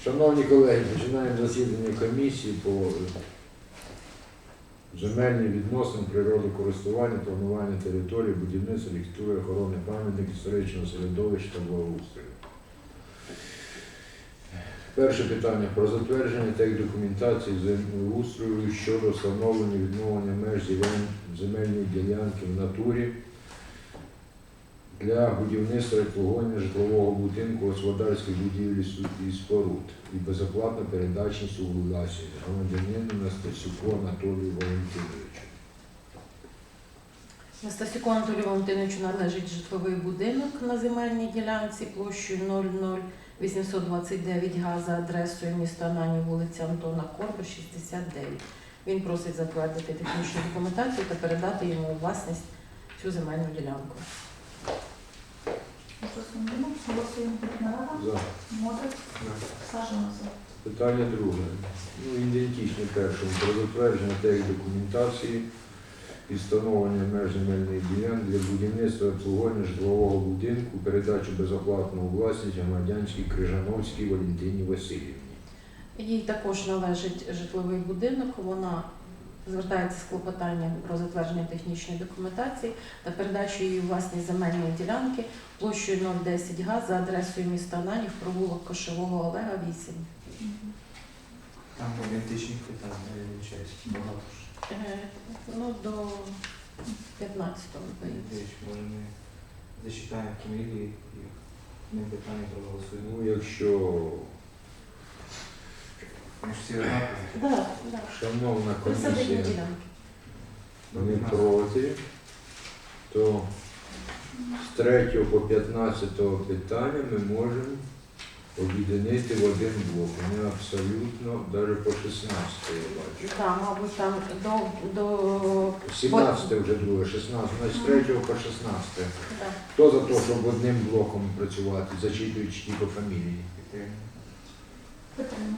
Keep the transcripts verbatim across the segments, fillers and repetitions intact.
Шановні колеги, починаємо засідання комісії по земельні відносини, природокористування, планування території, будівництва, архітектури, охорони пам'яток, історичного середовища та благоустрою. Перше питання про затвердження техдокументації землеустрою щодо встановлення відновлення меж земельної ділянки в натурі для будівництва і обслуговування житлового будинку, господарських будівель і споруд і безоплатно передачі у власність громадянину Настасюку Анатолію Валентиновичу. Настасюку Анатолію Валентиновичу належить житловий будинок на земельній ділянці площею нуль нуль вісімсот двадцять дев'ять га за адресою міста Анані, вулиця Антона Корби, шістдесят дев'ять. Він просить затвердити технічну документацію та передати йому у власність цю земельну ділянку. Голосуємо. Нарада. За. Модрик. Сажина. Питання друге. Ну, ідентичне першому. Про затвердження техдокументації і встановлення меж земельної ділянки для будівництва і обслуговування житлового будинку, передачу безоплатно у власність громадянській Крижановській Валентині Васильівні. Їй також належить житловий будинок. Вона звертається з клопотанням про затвердження технічної документації та передачу її у власність земельної ділянки площею нуль десять га за адресою міста Ананів, провулок Кошового Олега, вісім. Там ідентичних питань, я вивчаюсь, багато ж. Е, Ну, до п'ятнадцятого, здається. Дивіться, може ми зачитаємо фамілії і ми питання проголосуємо. Ну, якщо Ми ж всі однакові. Так, так. шановна Присадибні комісія ділянки. не проти, то з третього по п'ятнадцятого питання ми можемо об'єднати в один блок. Вони абсолютно, навіть по шістнадцяте я бачу. Так, мабуть, там до, до... сімнадцяте вже друге, шістнадцяте, значить з третього по шістнадцяте. Так. Хто за те, щоб одним блоком працювати, зачитуючи ті по фамілії? Підтримуємо. Підтримуємо.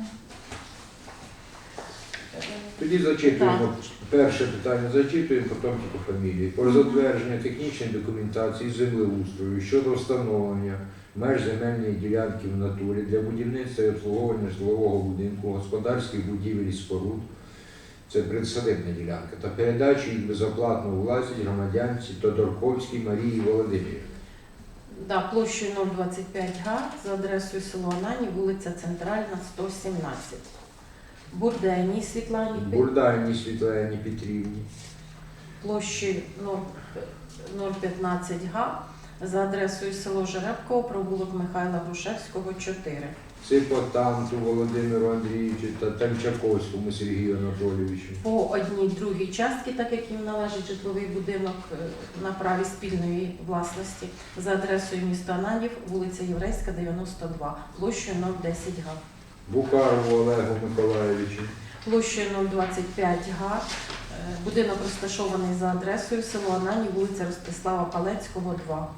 Тоді зачитуємо. Перше питання зачитуємо, потім ті по фамілії. Про затвердження технічної документації землеустрою щодо встановлення меж земельної ділянки в натурі для будівництва і обслуговування житлового будинку, господарських будівель і споруд, це присадибна ділянка, та передачі їх безоплатно у власність громадянці Тодорковській Марії Володимирівні. Да, площею нуль двадцять п'ять га за адресою село Анані, вулиця Центральна, сто сімнадцять. Бурденній Світлані Петрівні, Бурдайній Світлані Петрівні. площею нуль п'ятнадцять га за адресою село Жеребково, провулок Михайла Грушевського, чотири. Ципотанту Володимиру Андрійовичу та Танчаковському Сергію Анатолійовичу. По одній другій частці, так як їм належить житловий будинок е, на праві спільної власності, за адресою міста Ананів, вулиця Єврейська, дев'яносто два, площею нуль десять га. Букарову Олегу Миколаєвичу. Площею нуль двадцять п'ять га. Е, Будинок розташований за адресою село Анані, вулиця Ростислава Палецького, два.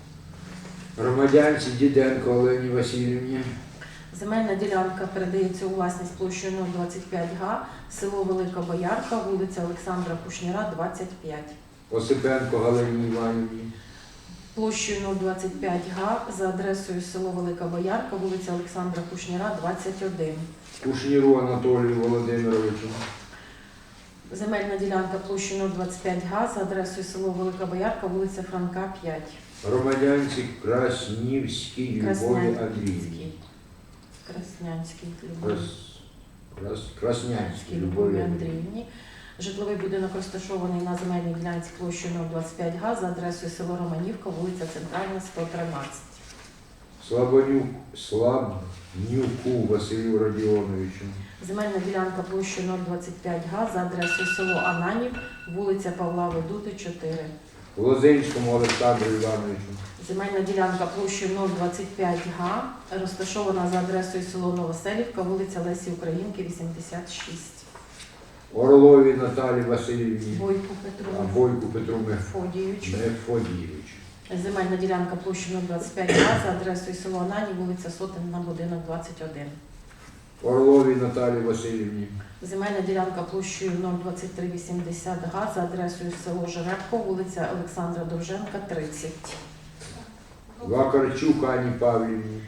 Громадянці Діденко Олені Васильівні. Земельна ділянка передається у власність площею нуль двадцять п'ять га, село Велика Боярка, вулиця Олександра Кушніра, двадцять п'ять. Осипенко Галині Іванівні. Площею нуль двадцять п'ять га за адресою село Велика Боярка, вулиця Олександра Кушніра, двадцять один. Кушніру Анатолію Володимировичу. Земельна ділянка площею нуль двадцять п'ять га за адресою село Велика Боярка, вулиця Франка, п'ять. Громадянці Краснівській Любові Андріївні. Краснянській Крас... Любові Крас... Краснянській Любові Любові Андріївні. Андріївні. Житловий будинок розташований на земельній ділянці площею нуль двадцять п'ять га за адресою село Романівка, вулиця Центральна, сто тринадцять. Слабонюк... Слабнюку Василю Родіоновичу. Земельна ділянка площею нуль двадцять п'ять га за адресою село Ананів, вулиця Павла Ведути, чотири. Лозинському Олександру Івановичу. Земельна ділянка площею нуль двадцять п'ять га, розташована за адресою село Новоселівка, вулиця Лесі Українки, вісімдесят шість. Орлові Наталі Васильівні. Бойку А Петру Бойку Петру Мефодійовичу. Мефодійовичу. Земельна ділянка площею нуль двадцять п'ять га за адресою село Анані, вулиця Сотенна, будинок двадцять один. Орлові Наталі Васильівні. Земельна ділянка площею нуль двадцять три вісімдесят га за адресою село Жеребко, вулиця Олександра Довженка, тридцять. Вакарчук Ані Павлівні.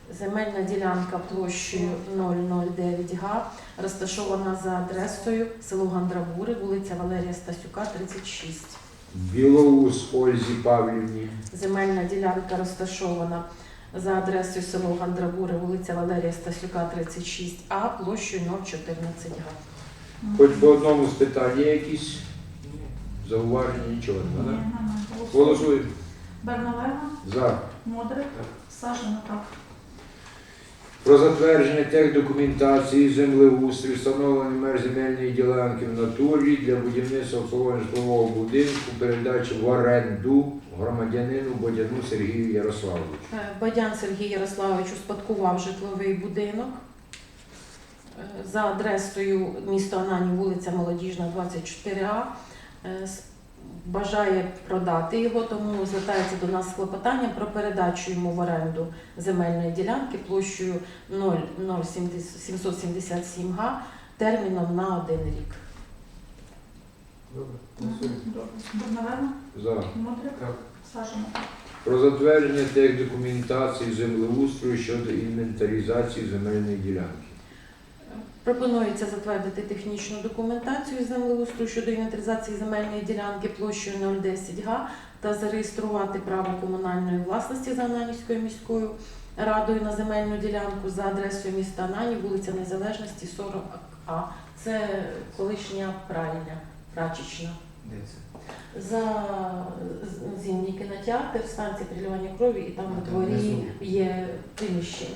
Земельна ділянка площею нуль нуль дев'ять га, розташована за адресою село Гандрабури, вулиця Валерія Стасюка, тридцять шість. Білоус Ользі Павлівні, Земельна ділянка розташована за адресою село Гандрабури, вулиця Валерія Стасюка, тридцять шість А, площею нуль чотирнадцять га. хоч по одному з питань є якісь Ні. зауваження, нічого Ні, немає. да? немає. Голосуємо. Голосуємо. Берновина, За. Модрик, Так. Сажина, так. Про затвердження техдокументації землеустрою, встановлення меж земельної ділянки в натурі для будівництва обслуговування житлового будинку, передачі в оренду громадянину Бодяну Сергію Ярославовичу. Е, Бадян Сергій Ярославович успадкував житловий будинок е, за адресою місто Ананів, вулиця Молодіжна, двадцять чотири А. Е, с- Бажає продати його, тому звертається до нас з клопотанням про передачу йому в оренду земельної ділянки площею нуль нуль сімсот сімдесят сім га терміном на один рік. Добре. Голосуємо. Добре. Берновина, За. Модрик, Так. Сажина, так. Про затвердження техдокументації землеустрою щодо інвентаризації земельної ділянки. Пропонується затвердити технічну документацію землеустрою щодо інвентаризації земельної ділянки площею нуль десять га та зареєструвати право комунальної власності за Ананівською міською радою на земельну ділянку за адресою міста Ананів, вулиця Незалежності, сорок А. Це колишня пральня, прачечна. Де це? За з- зимній кінотеатр, станція переливання крові, і там А, на там дворі внизу. є приміщення.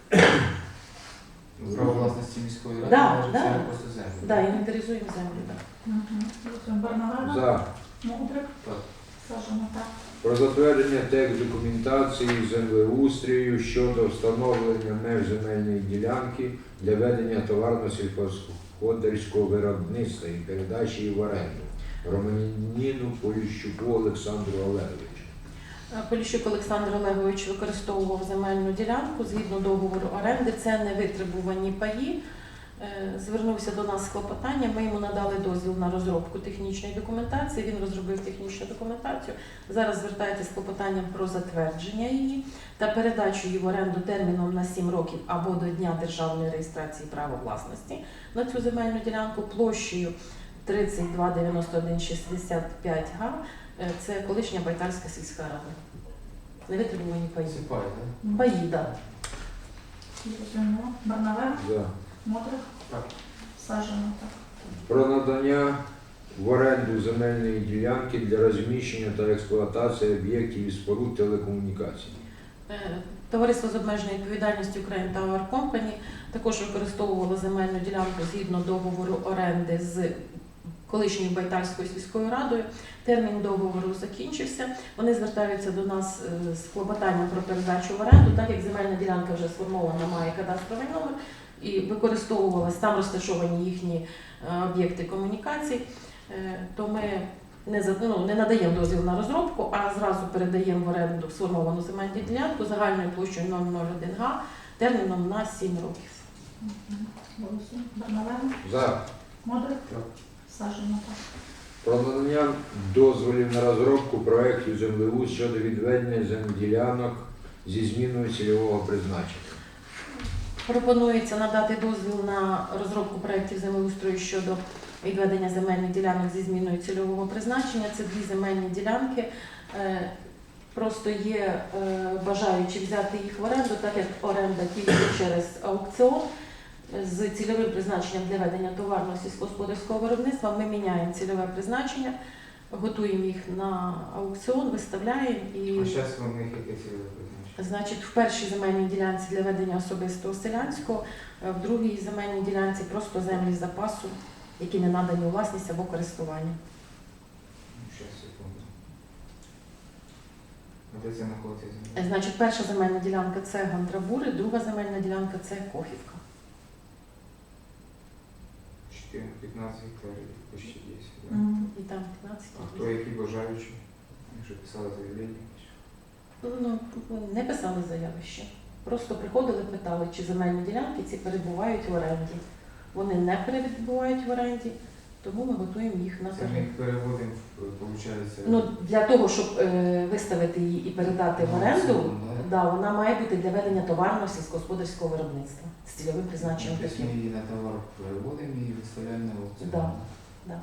Право власності міської ради, Да, може, да. це просто землю. Да, інвентаризуємо землю. Да. Мгм. Голосуємо. Берновина, За. Модрик, Так. Сажина, так. Про затвердження техдокументації землеустрою щодо встановлення меж земельної ділянки для ведення товарно-сільськогосподарського виробництва і передачі її в оренду громадянину Поліщуку Олександру Олеговичу. Поліщук Олександр Олегович використовував земельну ділянку згідно договору оренди. Це невитребувані паї. Е, Звернувся до нас з клопотанням. Ми йому надали дозвіл на розробку технічної документації. Він розробив технічну документацію. Зараз звертається з клопотанням про затвердження її та передачу її в оренду терміном на сім років або до дня державної реєстрації права власності на цю земельну ділянку площею тридцять два дев'яносто один шістдесят п'ять га. Е, Це колишня Байтальська сільська рада. Невитребувані паї. Це пай, так? Паї, так. Голосуємо. Берновина, За. Модрик, Так. Сажина, так. Про надання в оренду земельної ділянки для розміщення та експлуатації об'єктів і споруд телекомунікацій. Е, Товариство з обмеженою відповідальністю Ukraine Tower Company також використовувало земельну ділянку згідно договору оренди з колишньою Байтальською сільською радою. Термін договору закінчився. Вони звертаються до нас е, з клопотанням про передачу в оренду, так як земельна ділянка вже сформована, має кадастровий номер і використовувалась, там розташовані їхні е, об'єкти комунікацій, е, то ми не, за- ну, не надаємо дозвіл на розробку, а зразу передаємо в оренду сформовану земельну ділянку загальною площею нуль нуль один га терміном на сім років. Мгм. Голосуємо. Берновина, За. Модрик, Так. Сажина, так. Про надання дозволів на розробку проєктів землеустрою щодо відведення земледілянок зі зміною цільового призначення. Пропонується надати дозвіл на розробку проєктів землеустрою щодо відведення земельних ділянок зі зміною цільового призначення. Це дві земельні ділянки. Е, Просто є е, бажаючі взяти їх в оренду, так як оренда тільки через аукціон з цільовим призначенням для ведення товарного сільськогосподарського виробництва. Ми міняємо цільове призначення, готуємо їх на аукціон, виставляємо і. А зараз у них яке цільове призначення? Значить, в першій земельній ділянці для ведення особистого селянського, е, в другій земельній ділянці просто землі запасу, які не надані у власність або користування. Зараз, секунду. А де це знаходиться Е, земля? Значить, перша земельна ділянка це Гандрабури, друга земельна ділянка це Кохівка. чотирнадцять п'ятнадцять гектарів, почти десять. Да? Мгм. І там п'ятнадцять. А хто які бажаючі? Якщо писали заявлення? Ну, не писали заяви ще. Просто приходили, питали, чи земельні ділянки ці перебувають в оренді. Вони не перебувають в оренді, Тому ми готуємо їх на Це ми торги. їх переводимо, виходить. Ну, для того, щоб е, виставити її і передати в оренду, Да. да, вона має бути для ведення товарного сільськогосподарського виробництва з цільовим призначенням Тобто таким. ми її на товар переводимо і виставляємо на аукціон. Да, да.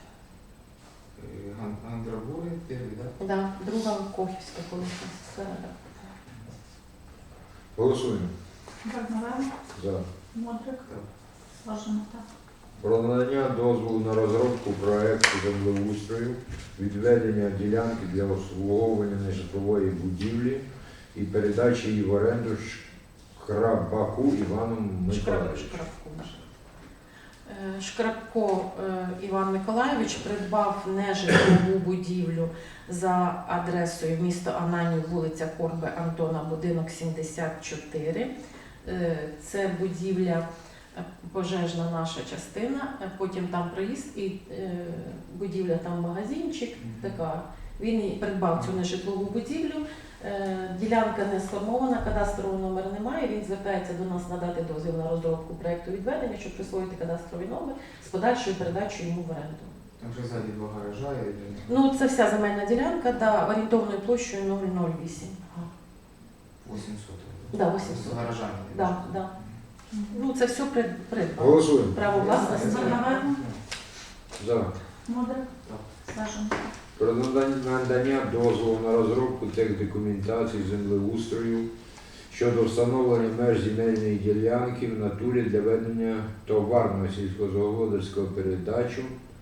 Е, Ган- Гандрабури, перший, так? Да, друга Кохівська колишня сфера. Да. Голосуємо. Барнавена, За. Модрик, Так. Сажена так. Про надання дозволу на розробку проекту землеустрою, відведення ділянки для обслуговування нежитлової будівлі і передачі її в оренду Шкрабаку Івану Шкраб- Миколаївичу. Шкрабко. Е, Шкрабко е, Іван Миколаївич придбав нежитлову будівлю за адресою місто Ананів, вулиця Корби Антона, будинок сімдесят чотири. Е, Це будівля е, пожежна наша частина, е, потім там проїзд і е, будівля там магазинчик. Така. Він і придбав цю нежитлову будівлю. Е, Ділянка не сформована, кадастрового номер немає. Він звертається до нас надати дозвіл на розробку проекту відведення, щоб присвоїти кадастровий номер з подальшою передачею йому в оренду. Там вже ззаді два гаража і один. Ну, це вся земельна ділянка, да, орієнтовною площею нуль нуль вісім. вісімсот. Да, вісімсот. З гаражами. Да, да. Ну, це все прид- придбано. Голосуємо. Право власності. Барнавена, За. Модрик, Сажена так. Про надання дозволу на розробку техдокументації землеустрою щодо встановлення меж земельної ділянки в натурі для ведення товарного сільськогосподарського передачу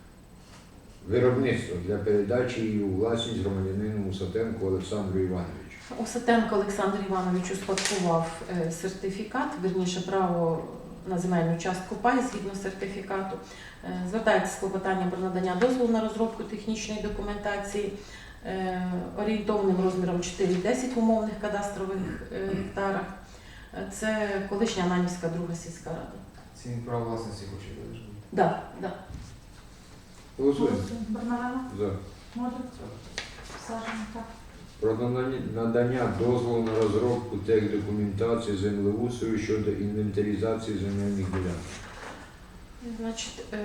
виробництва для передачі її у власність громадянину Усатенку Олександру Івановичу. Усатенко Олександр Іванович успадкував е, сертифікат, верніше право на земельну частку пай згідно сертифікату. Е, Звертається з клопотанням про надання дозволу на розробку технічної документації е, орієнтовним розміром чотири десять в умовних кадастрових е, гектарах. Е, Це колишня Ананівська друга сільська рада. Це він право власності хоче вирішити. Да, да. Голосуємо. Барнавена, За. Модрик, Сажена так. Про надання- надання дозволу на розробку техдокументації землеустрою щодо інвентаризації земельних ділянок. Значить, е,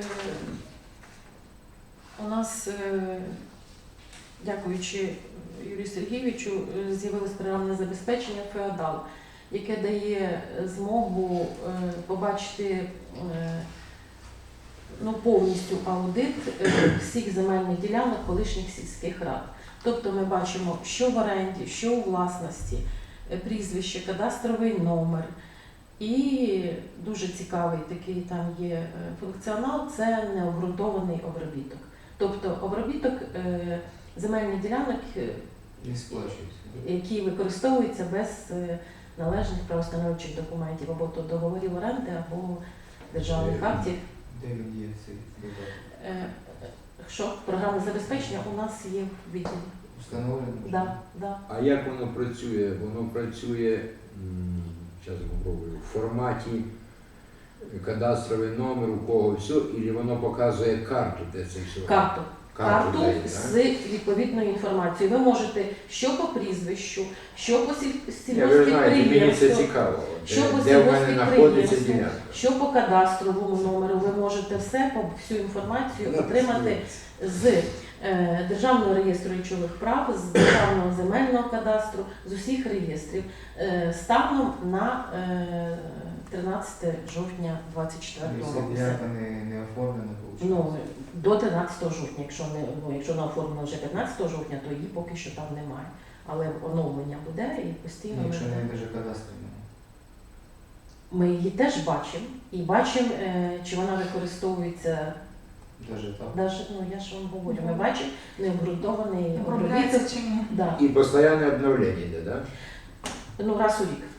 у нас, е, дякуючи Юрію Сергійовичу, е, з'явилось програмне забезпечення «Феодал», яке дає змогу е, побачити е, ну, повністю аудит е, всіх земельних ділянок колишніх сільських рад. Тобто ми бачимо, що в оренді, що у власності, е, прізвище, кадастровий номер. І дуже цікавий такий там є е, функціонал – це необґрунтований обробіток. Тобто обробіток е, земельних ділянок, е, Не сплачується. які використовуються без е, належних правоустановчих документів, або то договорів оренди, або державних Е, актів. Де він є цей додаток? Е, Що програмне забезпечення у нас є в відділі. Встановлено? Да, да. А як воно працює? Воно працює, зараз попробую, в форматі кадастровий номер, у кого все, і воно показує карту, де це все. Карту. Карту дає, з так? відповідною інформацією. Ви можете що по прізвищу, що по сіль- Я ви знаєте, мені це сільгоспідприємству, цікаво. що Де, по де в мене знаходиться сільгоспідприємству, ділянка? що по кадастровому номеру. Ви можете все, по- всю інформацію отримати з е, Державного реєстру речових прав, з Державного земельного кадастру, з усіх реєстрів е, станом на е, тринадцяте жовтня двадцять четвертого Якщо року. ділянка не, не оформлена, виходить? Ну, до тринадцятого жовтня, якщо не ну, якщо не оформлено вже п'ятнадцятого жовтня, то її поки що там немає. Але оновлення буде і постійно Ну, якщо ми, не навіть кадастру немає. ми її теж бачимо і бачимо, е, чи вона використовується. Даже так. Даже, ну я ж вам говорю, ми бачимо необґрунтований обробіток. Обробляється чи ні? Да. І постійне обновлення йде, так? Ну, раз у рік.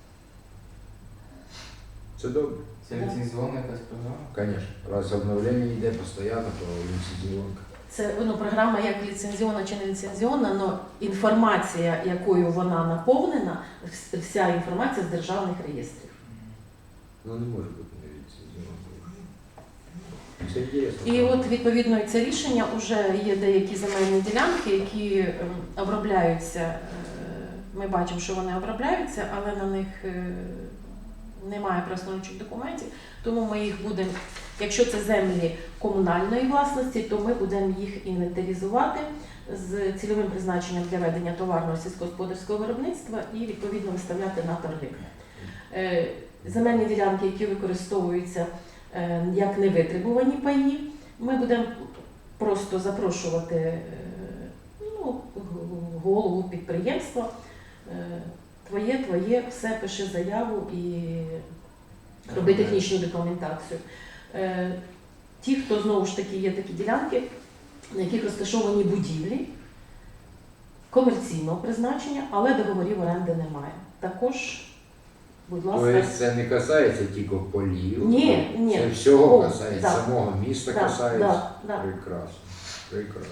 Це добре. Це Да. ліцензіонна якась програма? Звісно. Раз обновлення йде постійно, то ліцензіонка. Це ну, програма як ліцензіонна чи не ліцензіонна, але інформація, якою вона наповнена, вс- вся інформація з державних реєстрів. Ну не може бути не ліцензіонка. Це інтересно. І от відповідно це рішення вже є деякі земельні ділянки, які ем, обробляються. е, Ми бачимо, що вони обробляються, але на них е, немає правоустановчих документів, тому ми їх будемо Якщо це землі комунальної власності, то ми будемо їх інвентаризувати з цільовим призначенням для ведення товарного сільськогосподарського виробництва і відповідно виставляти на торги. Е, Земельні ділянки, які використовуються е, як невитребувані паї, ми будемо просто запрошувати е, ну, г- голову підприємства. е, Твоє, твоє, все, пиши заяву і роби технічну документацію. Е, Ті, хто знову ж таки є такі ділянки, на яких розташовані будівлі комерційного призначення, але договорів оренди немає. Також, будь ласка. Тобто це не касається тільки полів, Ні, ні. це всього О, касається, да. самого міста Да, касається. да, да. Прекрасно, прекрасно.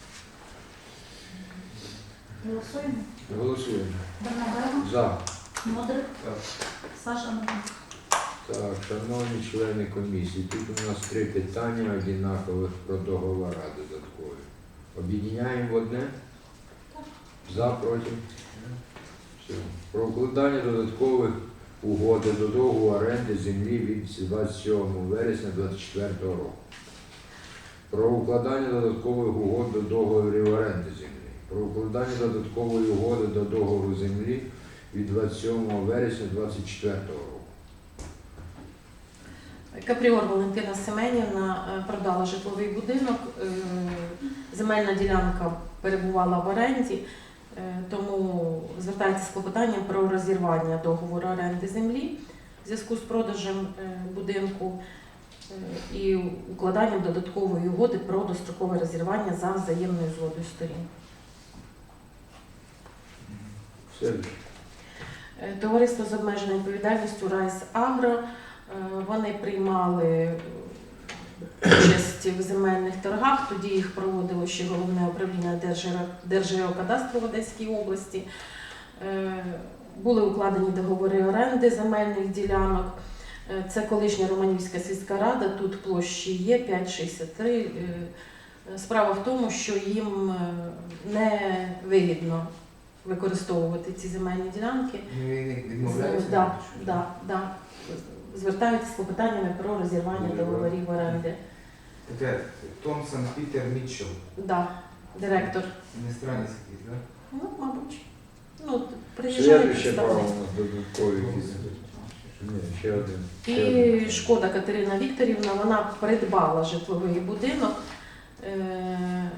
Голосуємо. Голосуємо. Бернавега, За. Модрик, Так. Саженко. Так, шановні члени комісії, тут у нас три питання однакових про договори додаткові. Об'єднаємо в одне? За, проти? Все. Про укладання додаткових угод до договору оренди землі від двадцять сьомого вересня двадцять четвертого року. Про укладання додаткових угод до договорів оренди землі. Про укладання додаткової угоди до договору землі від двадцять сьомого вересня двадцять четвертого року. Капріор Валентина Семенівна е, продала житловий будинок. е, Земельна ділянка перебувала в оренді, е, тому звертається з клопотанням про розірвання договору оренди землі в зв'язку з продажем е, будинку е, і укладанням додаткової угоди про дострокове розірвання за взаємною згодою сторін. Все. Е, Товариство з обмеженою відповідальністю Райс Агро. е, Вони приймали участь в земельних торгах, тоді їх проводило ще головне управління Держгео- Держгеокадастру в Одеській області. Е, Були укладені договори оренди земельних ділянок. Е, Це колишня Романівська сільська рада, тут площі є п'ять шістдесят три. Е, Справа в тому, що їм е, не вигідно використовувати ці земельні ділянки. Ну, і не відмовляються? Да, да, да. Звертаються з клопотаннями про розірвання Дуже договорів оренди. Таке, Томпсон Пітер Мітчелл. Да, директор. Іностранець якийсь, так? Ну, мабуть. Ну, приїжджає Слідуще право у представник. нас додаткові. Ні, ще один. Ще І один. Шкода Катерина Вікторівна, вона придбала житловий будинок е,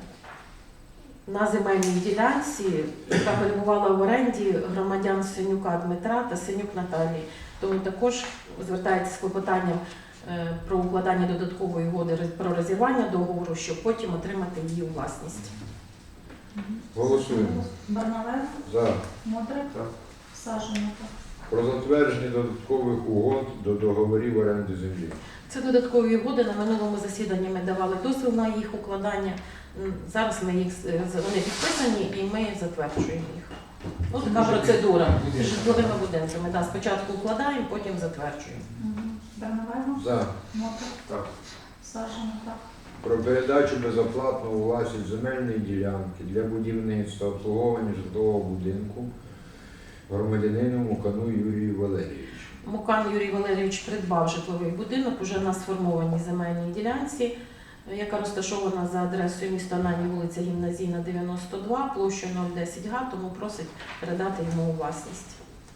на земельній ділянці, яка перебувала в оренді громадян Синюка Дмитра та Синюк Наталії. Тому також звертається з клопотанням е, про укладання додаткової угоди роз- про розірвання договору, щоб потім отримати її у власність. Голосуємо. Бернавега, За. Модрик, Так. Саженко. Про затвердження додаткових угод до договорів оренди землі. Це додаткові угоди. На минулому засіданні ми давали дозвіл на їх укладання. М, Зараз ми їх з- з- вони підписані і ми затверджуємо їх. Ну, така процедура з житловими будинками. Да, спочатку укладаємо, потім затверджуємо. Бернавега, За. Модрик, Так. Саженко. Про передачу безоплатно у власність земельної ділянки для будівництва обслуговування житлового будинку громадянину Мукану Юрію Валерійовичу. Мукан Юрій Валерійович придбав житловий будинок уже на сформованій земельній ділянці, е, яка розташована за адресою міста Нані, вулиця Гімназійна, дев'яносто два, площею нуль десять га, тому просить передати йому у власність.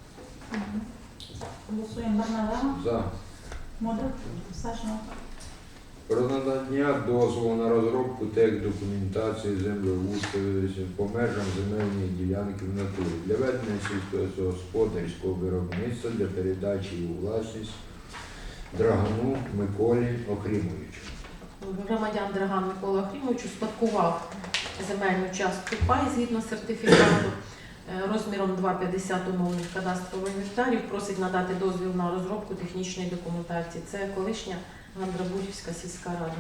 Голосуємо. Бернавега, За. Модрик, Саженко. Про надання дозволу на розробку техдокументації землеустрою по межам земельної ділянки в натурі для ведення сільськогосподарського виробництва для передачі у власність Драгану Миколі Окрімовичу. Громадян Драган Микола Охрімович успадкував земельну частку пай згідно сертифікату е, розміром два п'ятдесят умовних кадастрових гектарів. Просить надати дозвіл на розробку технічної документації. Це колишня Гандрабурівська сільська рада.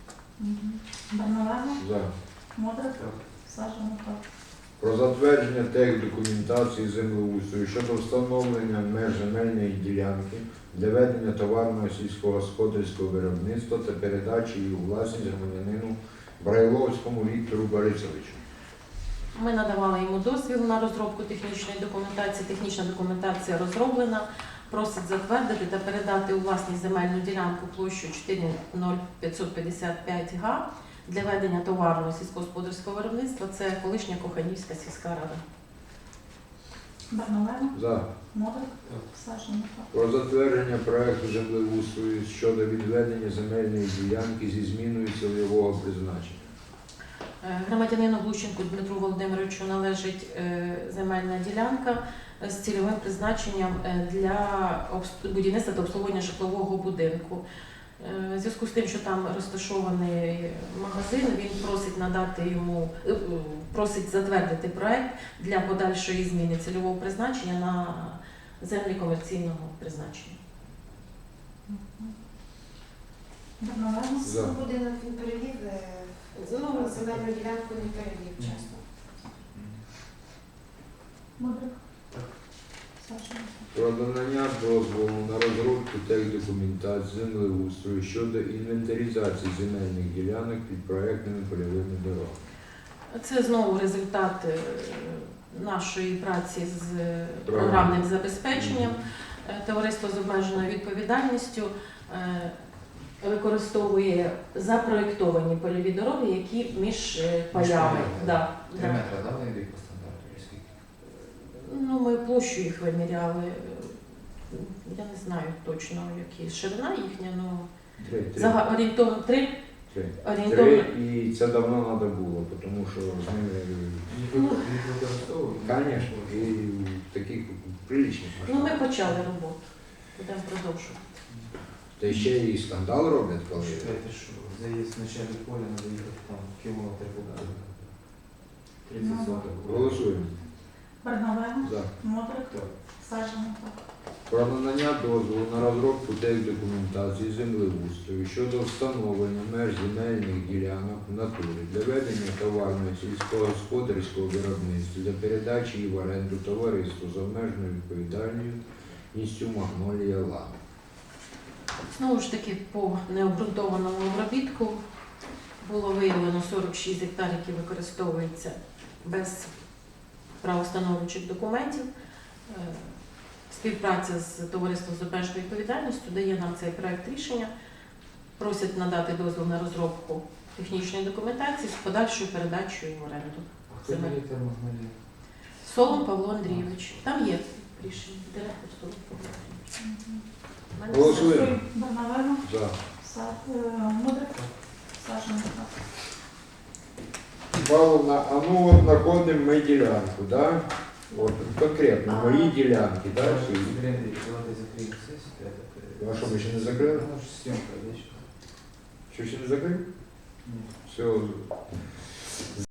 Бернавега, За. Модрик, Так. Саженко. Про затвердження техдокументації землеустрою щодо встановлення меж земельної ділянки для ведення товарного сільськогосподарського виробництва та передачі її у власність громадянину Брайловському Віктору Борисовичу. Ми надавали йому дозвіл на розробку технічної документації. Технічна документація розроблена. просить затвердити та передати у власність земельну ділянку площу чотири тисячі п'ятсот п'ятдесят п'ять га для ведення товарного сільськогосподарського виробництва. Це колишня Коханівська сільська рада. Барнавега, За. Модрик, Саженко. Про затвердження проекту землеустрою щодо відведення земельної ділянки зі зміною цільового призначення. Е, Громадянину Глущенку Дмитру Володимировичу належить е, земельна ділянка з цільовим призначенням е, для обс- будівництва та обслуговування житлового будинку. Е, В зв'язку з тим, що там розташований магазин, він просить надати йому, е, е, просить затвердити проект для подальшої зміни цільового призначення на землі комерційного призначення. Барнавега, За. Будинок він перевів, е, Ну, земельну ділянку не перевів чесно. Модрик, Саженко. Про надання дозволу на розробку техдокументації землеустрою щодо інвентаризації земельних ділянок під проектними польовими дорогами. Це знову результат е, нашої праці з е, програмним забезпеченням. Е, Товариство з обмеженою відповідальністю е, використовує запроєктовані польові дороги, які між е, полями. Да, Три да. метри, да, вони йдуть по стандарту, чи скільки? Ну, ми площу їх виміряли. Е, Я не знаю точно, які ширина їхня, ну Три, три, зага- орієнтовно три. три. Орієнтовно. Три, і це давно треба було, тому що з ними, Їх ви- їх використовують? звісно, і в таких приличних Ну, ми масштабах. почали роботу. Будемо продовжувати. Та ще і скандал роблять, коли. Считайте, що заїзд в началі поля надо їхати там кілометр буде. тридцять соток. Голосуємо. Барнавега, За. Модрик, Так. Саженко. Про надання дозволу на розробку техдокументації землеустрою щодо встановлення меж земельних ділянок в натурі для ведення товарного сільськогосподарського виробництва для передачі її в оренду товариству з обмеженою відповідальністю Магнолія Лан. Знову ж таки, по необґрунтованому обробітку було виявлено сорок шість гектарів, які використовуються без правостановчих документів. Е, Співпраця з товариством з обмеженою відповідальністю дає нам цей проект рішення. Просять надати дозвіл на розробку технічної документації з подальшою передачею в оренду. А хто директор Магнолії? Солом Павло Андрійович. Там є рішення. Директор Солом Павло Андрійович. У мене все. Голосуємо. Барнавега, За. Са- е, Модрик, Саженко. Павловна, а ну от знаходимо ми ділянку, да? От конкретно А. мої ділянки, да? всі. Андрій Андрійович, давайте закриємо сесію. я так, е, А що, ми ще не закрили? Ну, ж зйомка, де ще? Що ще не закрили? Ні. Все.